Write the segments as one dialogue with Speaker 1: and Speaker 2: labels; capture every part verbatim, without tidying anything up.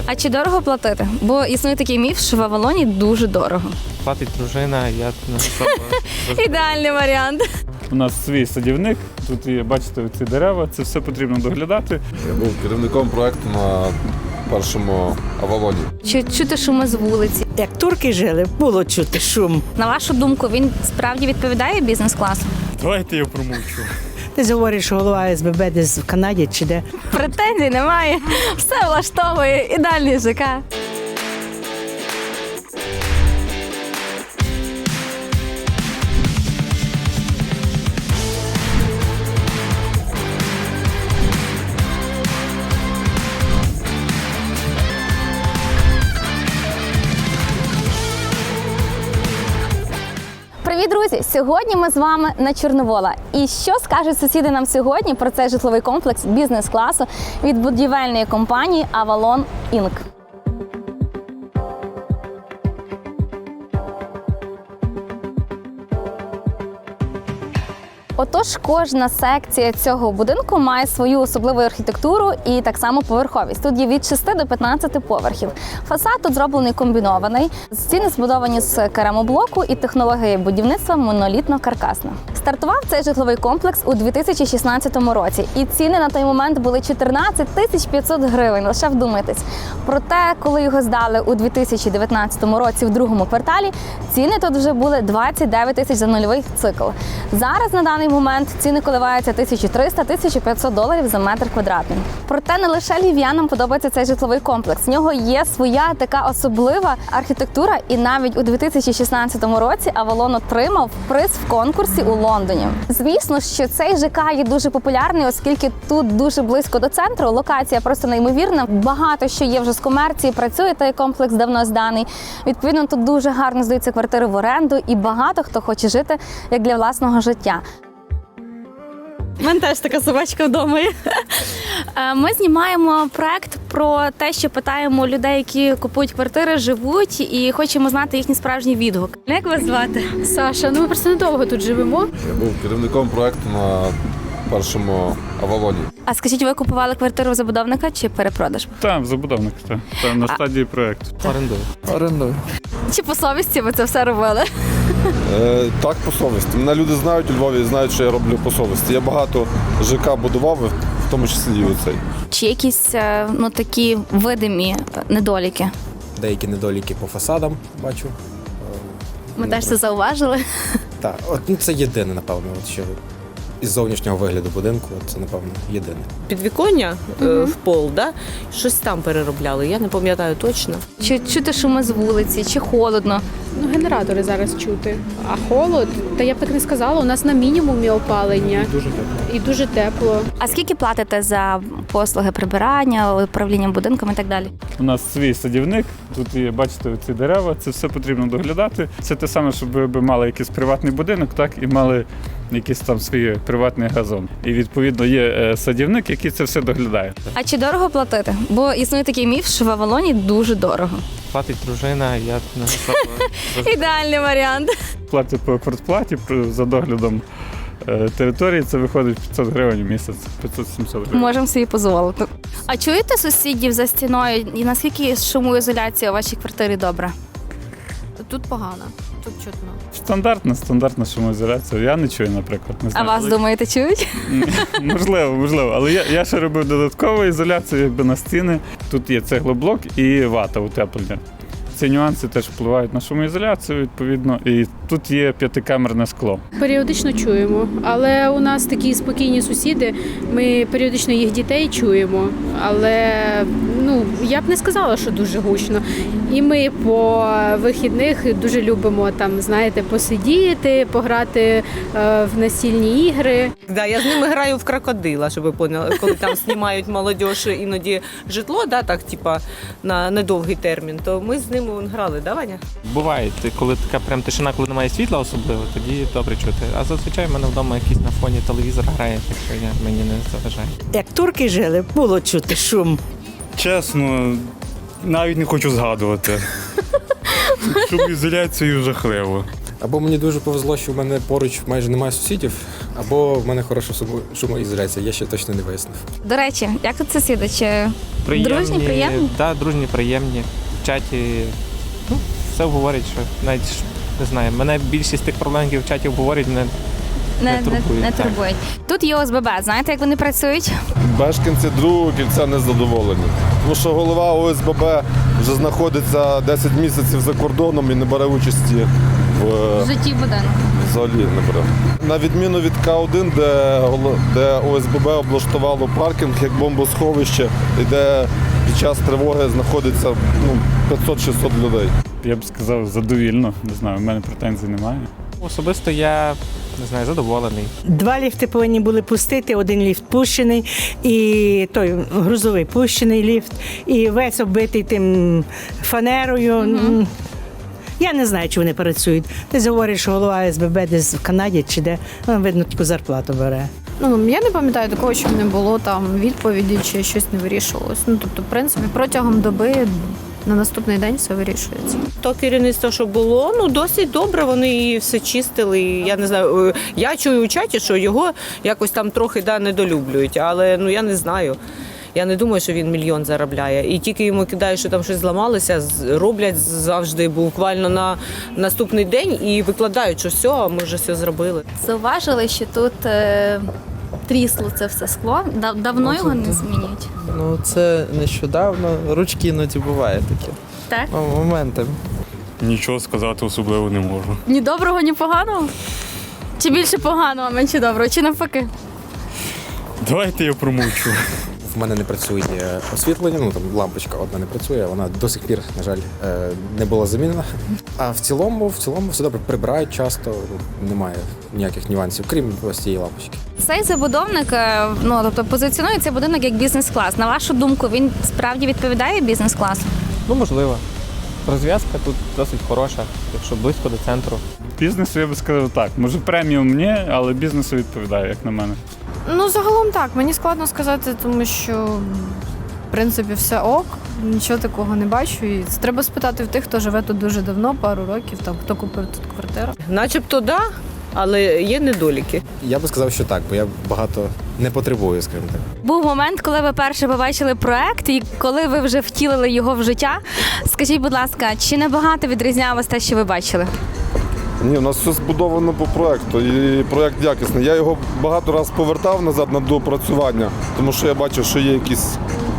Speaker 1: А чи дорого платити? Бо існує такий міф, що в Авалоні дуже дорого.
Speaker 2: Платить дружина, я не особо.
Speaker 1: Ідеальний варіант.
Speaker 3: У нас свій садівник, тут є, бачите, ці дерева, це все потрібно доглядати.
Speaker 4: Я був керівником проєкту на першому Авалоні.
Speaker 1: Чи чути шуми з вулиці?
Speaker 5: Як турки жили, було чути шум.
Speaker 1: На вашу думку, він справді відповідає бізнес-класу?
Speaker 3: Давайте я промовчу.
Speaker 5: Ти говориш, що голова СББ десь в Канаді чи де.
Speaker 1: Претензій немає. Все влаштовує. Ідеальний ЖК. Привіт, друзі! Сьогодні ми з вами на Чорновола. І що скажуть сусіди нам сьогодні про цей житловий комплекс бізнес-класу від будівельної компанії Avalon інк? Отож, кожна секція цього будинку має свою особливу архітектуру і так само поверховість. Тут є від шести до п'ятнадцяти поверхів. Фасад тут зроблений комбінований. Стіни збудовані з керамоблоку і технологія будівництва монолітно-каркасна. Стартував цей житловий комплекс у дві тисячі шістнадцятому році. І ціни на той момент були чотирнадцять тисяч п'ятсот гривень. Лише вдумайтесь. Проте, коли його здали у дві тисячі дев'ятнадцятому році в другому кварталі, ціни тут вже були двадцять дев'ять тисяч за нульовий цикл. Зараз на даний момент ціни коливаються тисяча триста - тисяча п'ятсот доларів за метр квадратний. Проте не лише львів'янам подобається цей житловий комплекс. В нього є своя така особлива архітектура, і навіть у дві тисячі шістнадцятому році Avalon отримав приз в конкурсі у Лондоні. Звісно, що цей ЖК є дуже популярний, оскільки тут дуже близько до центру, локація просто неймовірна. Багато що є вже з комерції, працює той комплекс давно зданий. Відповідно, тут дуже гарно здаються квартири в оренду, і багато хто хоче жити як для власного життя. У мене теж така собачка вдома. Ми знімаємо проект про те, що питаємо людей, які купують квартири, живуть, і хочемо знати їхній справжній відгук. Як вас звати?
Speaker 6: Саша, ну ми просто недовго тут живемо.
Speaker 4: Я був керівником проєкту на першому Авалоні.
Speaker 1: А скажіть, ви купували квартиру у забудовника чи перепродаж?
Speaker 3: Там, забудовник, так. Там на стадії проєкту.
Speaker 2: Орендую.
Speaker 4: Орендую.
Speaker 1: Чи по совісті ви це все робили?
Speaker 4: Е, так, по совісті. Мене люди знають у Львові і знають, що я роблю по совісті. Я багато ЖК будував, в тому числі і оцей.
Speaker 1: Чи якісь ну, такі видимі недоліки?
Speaker 7: Деякі недоліки по фасадам бачу.
Speaker 1: Ми теж це зауважили.
Speaker 7: Так, от ну, це єдине, напевно, от що із зовнішнього вигляду будинку, це, напевно, єдине.
Speaker 8: Підвіконня е, в пол, да? Щось там переробляли, я не пам'ятаю точно.
Speaker 1: Чи чути шуми з вулиці, чи холодно?
Speaker 6: Ну, генератори зараз чути. А холод, та я б так не сказала, у нас на мінімумі опалення. І дуже тепло. І дуже тепло.
Speaker 1: А скільки платите за послуги прибирання, управління будинком і так далі?
Speaker 3: У нас свій садівник, тут є, бачите, ці дерева, це все потрібно доглядати. Це те саме, щоб ви мали якийсь приватний будинок, так, і мали якийсь там свій приватний газон. І, відповідно, є садівник, який це все доглядає.
Speaker 1: А чи дорого платити? Бо існує такий міф, що в Авалоні дуже дорого.
Speaker 2: Платить дружина, я не особо.
Speaker 1: Ідеальний варіант.
Speaker 3: Платить по квартплаті за доглядом е, території, це виходить п'ятсот гривень в місяць, п'ятсот - сімсот гривень.
Speaker 1: Можемо собі дозволити. А чуєте сусідів за стіною? І наскільки шумоізоляція у вашій квартирі добра?
Speaker 6: Тут погано, тут чутно.
Speaker 3: Стандартна, стандартна шумоізоляція. Я не чую, наприклад. Не
Speaker 1: А
Speaker 3: знаю,
Speaker 1: вас,
Speaker 3: але-
Speaker 1: думаєте, чують?
Speaker 3: Можливо, можливо. Але я, я ще робив додаткову ізоляцію якби на стіни. Тут є цеглоблок і вата утеплення. Ці нюанси теж впливають на шумоізоляцію, відповідно. І тут є п'ятикамерне скло.
Speaker 6: Періодично чуємо, але у нас такі спокійні сусіди, ми періодично їх дітей чуємо, але ну, я б не сказала, що дуже гучно. І ми по вихідних дуже любимо там, знаєте, посидіти, пограти е, в настільні ігри.
Speaker 8: Да, я з ними граю в крокодила, щоб ви поняли, коли там знімають молодіж іноді житло, да, так, типа, на недовгий термін, то ми з ними вон грали, да, Ваня?
Speaker 2: Буває, коли така прям тишина, коли немає світла особливо, тоді добре чути. А зазвичай в мене вдома якийсь на фоні телевізор грає, так що я, мені не заважає.
Speaker 5: Як турки жили, було чути шум.
Speaker 9: Чесно, навіть не хочу згадувати. Шумоізоляцію жахливо.
Speaker 7: Або мені дуже повезло, що в мене поруч майже немає сусідів, або в мене хороша шумо- шумоізоляція, я ще точно не вияснив.
Speaker 1: До речі, як тут сусіди? Чи дружні, приємні?
Speaker 2: Так, дружні, приємні. В чаті ну, все говорять, що навіть ж, не знаю, мене більшість тих проблем, які в чаті обговорюють, мене
Speaker 1: Не,
Speaker 2: не турбують,
Speaker 1: не
Speaker 2: так.
Speaker 1: турбують. Тут є О С Б Б. Знаєте, як вони працюють?
Speaker 4: Мешканці другого кільця не задоволені. Тому що голова О С Б Б вже знаходиться десять місяців за кордоном і не бере участі в
Speaker 1: В житті будинку.
Speaker 4: взагалі не бере. На відміну від К один, де, голо- де О С Б Б облаштувало паркінг як бомбосховище, і де під час тривоги знаходиться ну, п'ятсот-шістсот людей.
Speaker 3: Я б сказав, задовільно. Не знаю, в мене претензій немає.
Speaker 2: Особисто я не знаю, задоволений.
Speaker 5: Два ліфти повинні були пустити, один ліфт пущений, і той грузовий пущений ліфт, і весь оббитий тим фанерою. М, Я не знаю, чи вони працюють. Десь говорять, що голова С Б Б десь в Канаді чи де, ну, видно, таку зарплату бере.
Speaker 9: Ну, я не пам'ятаю такого, щоб не було там відповіді чи щось не вирішувалось. Ну, тобто, в принципі, протягом доби на наступний день все вирішується.
Speaker 8: То керівництво, що було, ну досить добре, вони і все чистили. І, я не знаю, е, я чую у чаті, що його якось там трохи да, недолюблюють, але ну я не знаю. Я не думаю, що він мільйон заробляє. І тільки йому кидають, що там щось зламалося, з- роблять завжди буквально на наступний день і викладають, що все, ми вже все зробили.
Speaker 1: Зауважили, що тут е, трісло це все скло. Дав- Давно його не змінюють.
Speaker 10: Ну, це нещодавно. Ручки іноді буває таке.
Speaker 1: Так?
Speaker 10: Ну, моментами.
Speaker 3: Нічого сказати особливо не можу.
Speaker 1: Ні доброго, ні поганого? Чи більше поганого, менше доброго, чи навпаки?
Speaker 3: Давайте я промовчу.
Speaker 7: В мене не працює освітлення, ну там лампочка одна не працює, вона до сих пір, на жаль, е, не була замінена. А в цілому, в цілому все добре, прибирають часто, немає ніяких нюансів, крім ось цієї лампочки.
Speaker 1: Цей забудовник, е, ну тобто позиціонує цей будинок як бізнес-клас. На вашу думку, він справді відповідає бізнес-класу?
Speaker 2: Ну, можливо. Розв'язка тут досить хороша, якщо близько до центру.
Speaker 3: Бізнесу я би сказав так. Може преміум ні, але бізнесу відповідає, як на мене.
Speaker 9: Ну, загалом так, мені складно сказати, тому що в принципі все ок, нічого такого не бачу. І треба спитати в тих, хто живе тут дуже давно, пару років, там хто купив тут квартиру.
Speaker 8: Начебто да, але є недоліки.
Speaker 7: Я би сказав, що так, бо я багато не потребую, скажімо так.
Speaker 1: Був момент, коли ви перше побачили проект, і коли ви вже втілили його в життя. Скажіть, будь ласка, чи набагато відрізнялось те, що ви бачили?
Speaker 4: Ні, у нас все збудовано по проекту, і проект якісний. Я його багато разів повертав назад на доопрацювання, тому що я бачив, що є якісь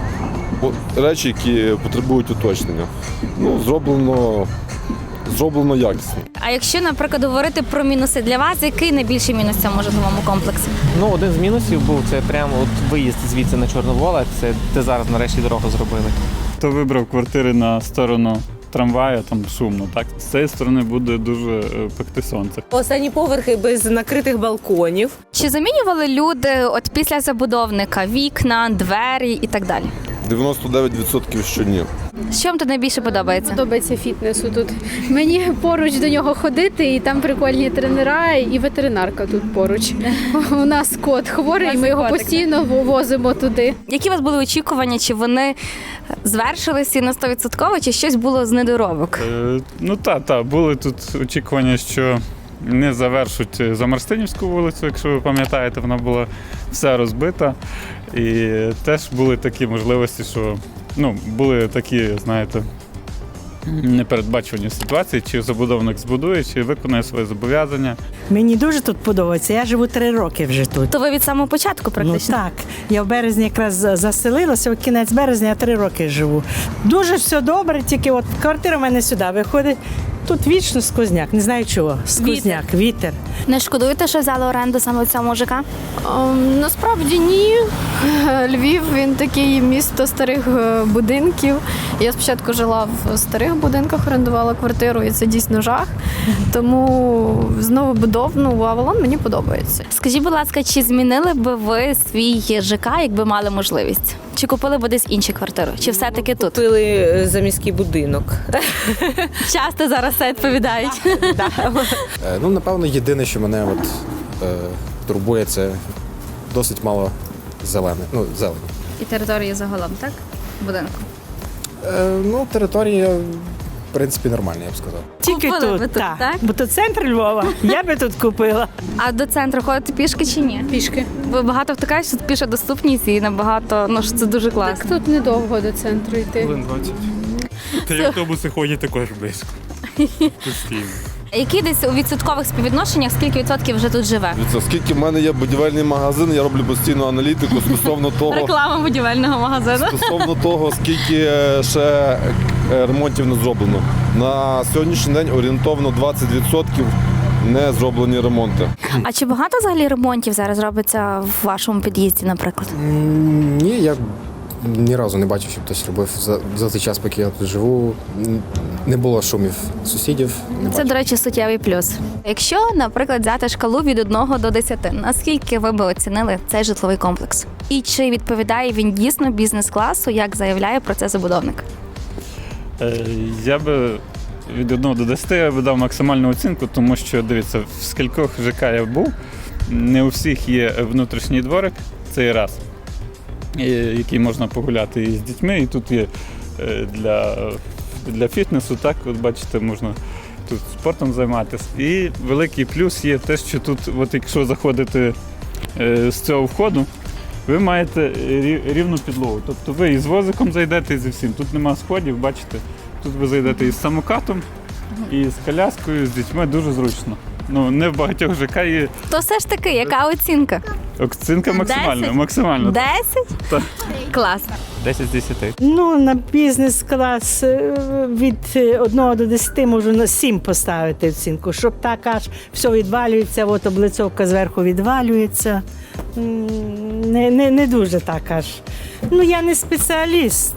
Speaker 4: о, речі, які потребують уточнення. Ну, зроблено, зроблено якісно.
Speaker 1: А якщо, наприклад, говорити про мінуси для вас, який найбільший мінус в цьому житловому комплексі?
Speaker 2: Ну, один з мінусів був це прямо от виїзд звідси на Чорновола, це де зараз нарешті дорогу зробили.
Speaker 3: Хто вибрав квартири на сторону трамвая, там шумно, так? З цієї сторони буде дуже е, пекти сонце.
Speaker 8: Останні поверхи без накритих балконів.
Speaker 1: Чи замінювали люди от після забудовника вікна, двері і так далі?
Speaker 4: дев'яносто дев'ять відсотків що ні.
Speaker 1: Що вам тут найбільше подобається?
Speaker 6: Подобається фітнесу тут. Мені поруч до нього ходити, і там прикольні тренера, і ветеринарка тут поруч. У нас кот хворий, ми його постійно возимо туди.
Speaker 1: Які у вас були очікування? Чи вони звершилися на сто відсотків, чи щось було з недоробок?
Speaker 3: Е, ну так, так, були тут очікування, що не завершуть Замарстинівську вулицю, якщо ви пам'ятаєте, вона була вся розбита. І теж були такі можливості, що ну, були такі, знаєте, непередбачувані ситуації, чи забудовник збудує, чи виконає своє зобов'язання.
Speaker 5: Мені дуже тут подобається. Я живу три роки вже тут.
Speaker 1: То ви від самого початку практично?
Speaker 5: Ну так. Я в березні якраз заселилася, в кінець березня я три роки живу. Дуже все добре, тільки от квартира в мене сюди виходить. Тут вічно сквозняк, не знаю чого. Сквозняк, вітер.
Speaker 1: Не шкодуєте, що взяли оренду саме в цьому ЖК?
Speaker 9: Ем, насправді ні. Львів він такий місто старих е, будинків. Я спочатку жила в старих будинках, орендувала квартиру, і це дійсно жах. Тому знову будов, ну, Авалон мені подобається.
Speaker 1: Скажіть, будь ласка, чи змінили би ви свій ЖК, якби мали можливість? Чи купили б десь іншу квартиру? Чи все-таки тут?
Speaker 8: Купили за міський будинок.
Speaker 1: Часто зараз це відповідають.
Speaker 7: Е, ну, напевно, єдине, що мене от, е, турбує, це досить мало зелене, ну, зелені.
Speaker 1: І території загалом, так? Будинку.
Speaker 7: Е, ну, територія в принципі, нормально, я б сказав.
Speaker 5: Тільки
Speaker 1: Купили ви
Speaker 5: тут,
Speaker 1: тут,
Speaker 5: так.
Speaker 1: так?
Speaker 5: Бо то центр Львова. Я би тут купила.
Speaker 1: А до центру ходите пішки чи ні?
Speaker 6: Пішки.
Speaker 1: Ви багато втикаєш, що тут піша доступність і набагато, ну що це дуже
Speaker 6: Так
Speaker 1: класно.
Speaker 6: тут недовго до центру йти.
Speaker 11: двадцять. Та й автобуси ходять також близько. Постійно.
Speaker 1: Які десь у відсоткових співвідношеннях, скільки відсотків вже тут живе?
Speaker 4: Дивіться, Оскільки в мене є будівельний магазин, я роблю постійну аналітику стосовно того,
Speaker 1: Реклама будівельного магазину.
Speaker 4: стосовно того, скільки е, ще е, ремонтів не зроблено. На сьогоднішній день орієнтовно двадцять відсотків не зроблені ремонти.
Speaker 1: А чи багато взагалі ремонтів зараз робиться в вашому під'їзді, наприклад?
Speaker 7: М, Ні, я ні разу не бачив, щоб хтось робив за, за той час, поки я тут живу. М, Не було шумів сусідів. Не
Speaker 1: Це,
Speaker 7: бачив.
Speaker 1: до речі, суттєвий плюс. Якщо, наприклад, взяти шкалу від одного до десяти, наскільки ви би оцінили цей житловий комплекс? І чи відповідає він дійсно бізнес-класу, як заявляє про це забудовник?
Speaker 3: Е, Я би від одного до десяти я би дав максимальну оцінку, тому що, дивіться, в скількох ЖК я був, не у всіх є внутрішній дворик, це і раз, і- який можна погуляти і з дітьми, і тут є е, для, для фітнесу, так, от бачите, можна тут спортом займатися. І великий плюс є те, що тут, от якщо заходити е, з цього входу, ви маєте рі- рівну підлогу. Тобто ви із возиком зайдете і зі всім. Тут нема сходів, бачите. Тут ви зайдете із самокатом, і з коляскою, з дітьми дуже зручно. Ну, не в багатьох ЖК є
Speaker 1: То все ж таки, яка оцінка?
Speaker 3: оцінка максимальна.
Speaker 1: Десять?
Speaker 3: максимальна.
Speaker 1: Десять?
Speaker 3: Так.
Speaker 1: Класно.
Speaker 2: десять з десяти.
Speaker 5: Ну, на бізнес-клас е, від е, одного до десяти можу на сім поставити оцінку, щоб так аж все відвалюється, от облицовка зверху відвалюється. М, Не, не, не дуже так аж. Ну, я не спеціаліст.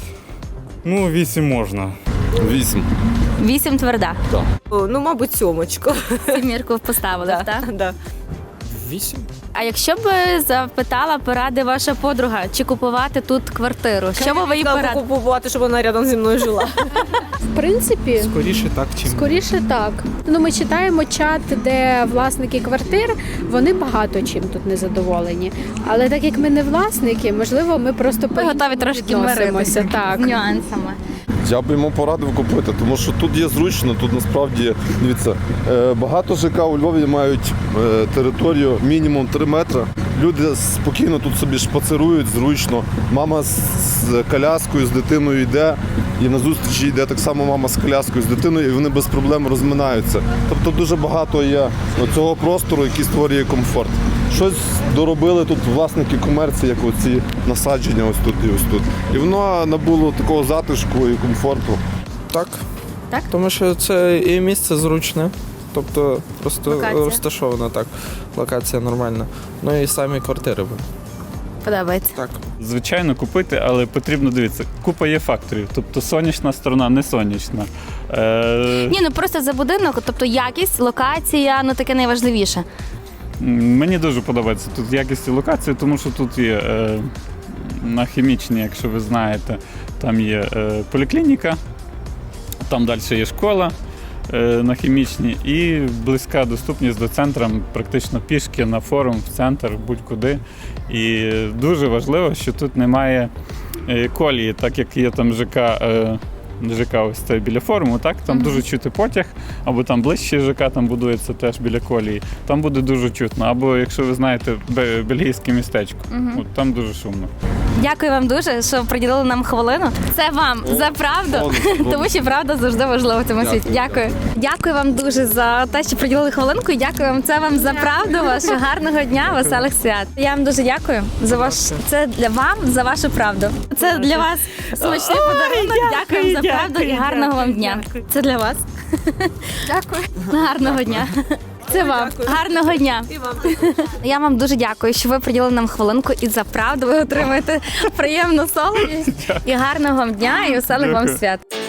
Speaker 11: Ну, вісім можна.
Speaker 4: Вісім.
Speaker 1: Вісім тверда.
Speaker 8: Ну, мабуть, сьомочку.
Speaker 1: Сімірку поставили, так?
Speaker 8: Да.
Speaker 7: Вісім?
Speaker 1: А якщо б запитала поради ваша подруга, чи купувати тут квартиру, що б ви їй
Speaker 8: Треба
Speaker 1: порадили?
Speaker 8: купувати, щоб вона рядом зі мною жила.
Speaker 6: В принципі,
Speaker 10: Скоріше так, чим
Speaker 6: скоріше так. Ну, ми читаємо чат, де власники квартир, вони багато чим тут не задоволені. Але так як ми не власники, можливо, ми просто
Speaker 1: Ви готові трошки
Speaker 6: відносимося.
Speaker 1: миритися
Speaker 6: Так.
Speaker 1: з нюансами.
Speaker 4: Я б йому порадив купити, тому що тут є зручно, тут насправді, дивіться, е, багато ЖК у Львові мають е, територію мінімум три метри. Люди спокійно тут собі шпацирують, зручно. Мама з, з коляскою, з дитиною йде, і на зустрічі йде так само мама з коляскою, з дитиною, і вони без проблем розминаються. Тобто дуже багато є цього простору, який створює комфорт. Щось доробили тут власники комерції, як оці насадження ось тут і ось тут. І воно набуло такого затишку і комфорту.
Speaker 10: так.
Speaker 1: Так?
Speaker 10: Тому що це і місце зручне, тобто просто
Speaker 1: Локація.
Speaker 10: розташована так. Локація нормальна. Ну і самі квартири.
Speaker 1: Подобається.
Speaker 10: Так.
Speaker 3: Звичайно, купити, але потрібно дивитися. Купа є факторів, тобто сонячна сторона, не сонячна. Е,
Speaker 1: Ні, ну просто за будинок, тобто якість, локація, ну таке найважливіше.
Speaker 3: Мені дуже подобається тут якість і локація, тому що тут є е, на хімічній, якщо ви знаєте, там є е, поліклініка, там далі є школа е, на хімічній і близька доступність до центру, практично пішки на форум, в центр, будь-куди. І дуже важливо, що тут немає е, колії, так як є там ЖК. Е, ЖК ось це біля форуму, так? Там
Speaker 1: Мгм.
Speaker 3: дуже чути потяг, або там ближче ЖК там будується теж біля колії. Там буде дуже чутно. Або, якщо ви знаєте, бе- бельгійське містечко,
Speaker 1: Мгм.
Speaker 3: от там дуже шумно.
Speaker 1: Дякую вам дуже, що приділили нам хвилину. Це вам за правду, тому що правда завжди важлива в цьому світі. Дякую. Дякую вам дуже за те, що приділили хвилинку. І дякую вам. Це вам за правду. Вашого гарного дня, веселих свят. Я вам дуже дякую за ваш. Це для вам за вашу правду. Це для вас смачний подарунок. Дякую вам за правду і гарного вам дня.
Speaker 5: дякую.
Speaker 1: Це для вас. Дякую. Гарного дня. Це вам. Гарного дня. Я вам дуже дякую, що ви приділили нам хвилинку і за правду ви отримаєте приємну солодість. І гарного вам дня і веселих вам
Speaker 3: Дякую.
Speaker 1: свят.